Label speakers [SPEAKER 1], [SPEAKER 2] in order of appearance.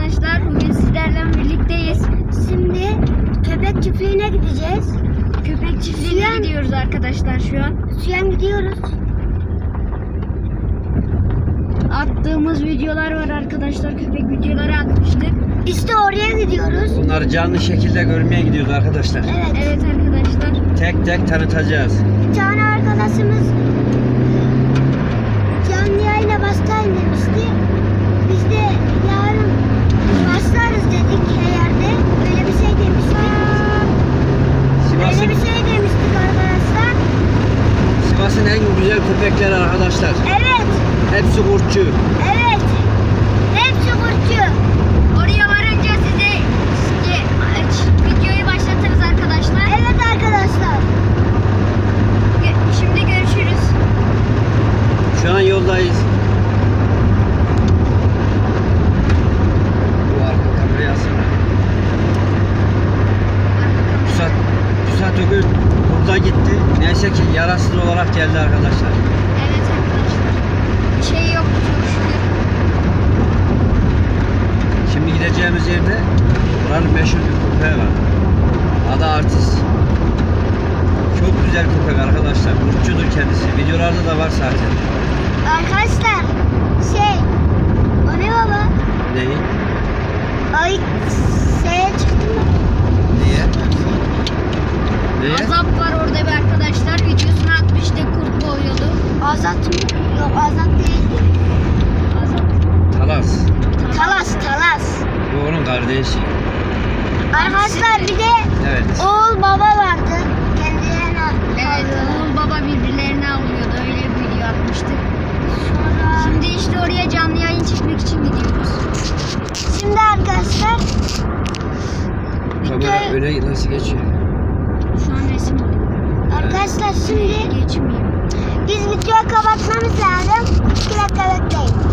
[SPEAKER 1] arkadaşlar. Bugün sizlerle birlikteyiz.
[SPEAKER 2] Şimdi köpek çiftliğine gideceğiz.
[SPEAKER 1] Köpek çiftliğine gidiyoruz arkadaşlar şu an.
[SPEAKER 2] Suyan gidiyoruz.
[SPEAKER 1] Attığımız videolar var arkadaşlar. Köpek videoları atmıştık.
[SPEAKER 2] İşte oraya gidiyoruz.
[SPEAKER 3] Bunları canlı şekilde görmeye gidiyoruz arkadaşlar.
[SPEAKER 2] Evet.
[SPEAKER 1] Evet arkadaşlar.
[SPEAKER 3] Tek tek tanıtacağız.
[SPEAKER 2] Bir tane arkadaşımız canlı yayına başlayın demişti. Biz de yarın başlarız dedik herhalde. Öyle bir şey demiştik.
[SPEAKER 3] Sivas'ın,
[SPEAKER 2] Öyle bir şey demiştik arkadaşlar.
[SPEAKER 3] Sivas'ın en güzel köpekleri arkadaşlar.
[SPEAKER 2] Evet.
[SPEAKER 3] Hepsi kurtçu.
[SPEAKER 2] Evet. Hepsi kurtçu.
[SPEAKER 1] Oraya varınca size videoyu başlatırız arkadaşlar.
[SPEAKER 2] Evet arkadaşlar.
[SPEAKER 1] Şimdi görüşürüz.
[SPEAKER 3] Şu an yoldayız. Bu arka kamerayı alsana. Pusat o gün burada gitti. Neyse ki yarasız olarak geldi arkadaşlar.
[SPEAKER 1] Evet arkadaşlar. Bir şey yok çok şükür.
[SPEAKER 3] Şimdi gideceğimiz yerde buranın meşhur bir köpeği var. Adı Artist. Çok güzel köpek arkadaşlar. Kurtçudur kendisi. Videolarda da var zaten.
[SPEAKER 2] Arkadaşlar o ne baba?
[SPEAKER 3] Neyi?
[SPEAKER 2] Ay şeye çıktı mı?
[SPEAKER 3] Niye? Niye?
[SPEAKER 1] Azap var orada bir arkadaşlar. Videosunu atmıştık, kurt boğuyordu.
[SPEAKER 2] Azat mı? Yok Azat değildi.
[SPEAKER 1] Azap.
[SPEAKER 3] Talas.
[SPEAKER 2] Talas.
[SPEAKER 3] Bu onun kardeşi.
[SPEAKER 2] Arkadaşlar bir de
[SPEAKER 3] Evet.
[SPEAKER 2] oğul baba vardı. Kendilerine
[SPEAKER 1] Evet,
[SPEAKER 2] alıyorlar.
[SPEAKER 1] oğul baba birbirlerini avlıyordu. Öyle bir video atmıştık.
[SPEAKER 2] Sonra
[SPEAKER 1] Şimdi işte oraya canlı yayın çekmek için gidiyoruz.
[SPEAKER 2] şimdi arkadaşlar
[SPEAKER 3] Kamera öne nasıl geçiyor?
[SPEAKER 1] Şu an resim alıyorum.
[SPEAKER 2] arkadaşlar şimdi
[SPEAKER 1] Geçmeyeyim.
[SPEAKER 2] biz videoyu kapatmamız lazım. 2 dakika bekleyin.